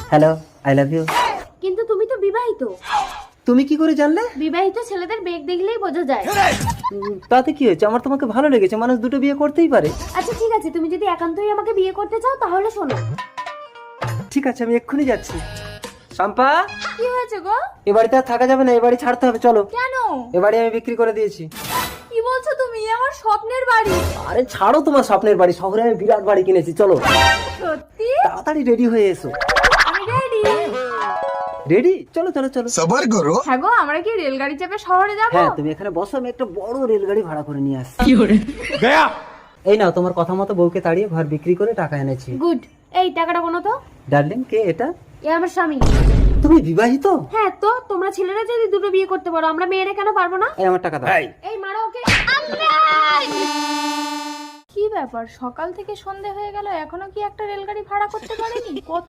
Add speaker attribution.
Speaker 1: Hello, I love you.
Speaker 2: কিন্তু তুমি তো বিবাহিত।
Speaker 1: তুমি কি করে জানলে?
Speaker 2: বিবাহিত ছেলেদের বেগ দেখলেই বোঝা যায়।
Speaker 1: তাতে কি হয়েছে? আমার তোমাকে ভালো লেগেছে, মানুষ দুটো বিয়ে করতেই পারে।
Speaker 2: আচ্ছা ঠিক আছে, তুমি যদি একান্তই আমাকে বিয়ে করতে চাও তাহলে শোনো।
Speaker 1: ঠিক আছে, আমি এক্ষুনি যাচ্ছি। শম্পা,
Speaker 2: কি হয়েছে গো?
Speaker 1: এ বাড়িতে আর থাকা যাবে না, এ বাড়ি ছাড়তে হবে, চলো।
Speaker 2: কেন?
Speaker 1: এ বাড়ি আমি বিক্রি করে দিয়েছি।
Speaker 2: কি বলছো তুমি? আমার স্বপ্নের বাড়ি।
Speaker 1: আরে ছাড়ো তোমার স্বপ্নের বাড়ি, শহরে আমি বিরাট বাড়ি কিনেছি, চলো।
Speaker 2: সত্যি?
Speaker 1: তাড়াতাড়ি রেডি হয়ে এসো।
Speaker 2: আমি রেডি।
Speaker 1: রেডি? চলো চলো চলো।
Speaker 3: সবার করো।
Speaker 2: হ্যাঁ গো, আমরা কি রেলগাড়ি চেপে শহরে যাব?
Speaker 1: হ্যাঁ, তুমি এখানে বসো, আমি একটা বড় রেলগাড়ি ভাড়া করে নিয়ে আসছি। এই নাও, তোমার কথা মতো বউকে তাড়িয়ে ঘর বিক্রি করে টাকা এনেছি।
Speaker 2: গুড। এই টাকাটা কোনো তো।
Speaker 1: ডার্লিং, কে এটা?
Speaker 2: এ আমার স্বামী।
Speaker 1: তুমি বিবাহিত?
Speaker 2: হ্যাঁ তো, তোমরা ছেলেরা যদি দুটো বিয়ে করতে পারো, আমরা মেয়েরা কেন পারবো না?
Speaker 1: এই আমার টাকা দাও।
Speaker 2: এই মারো ওকে। কি ব্যাপার, সকাল থেকে সন্ধে হয়ে গেল এখনো কি একটা রেলগাড়ি ভাড়া করতে পারেনি?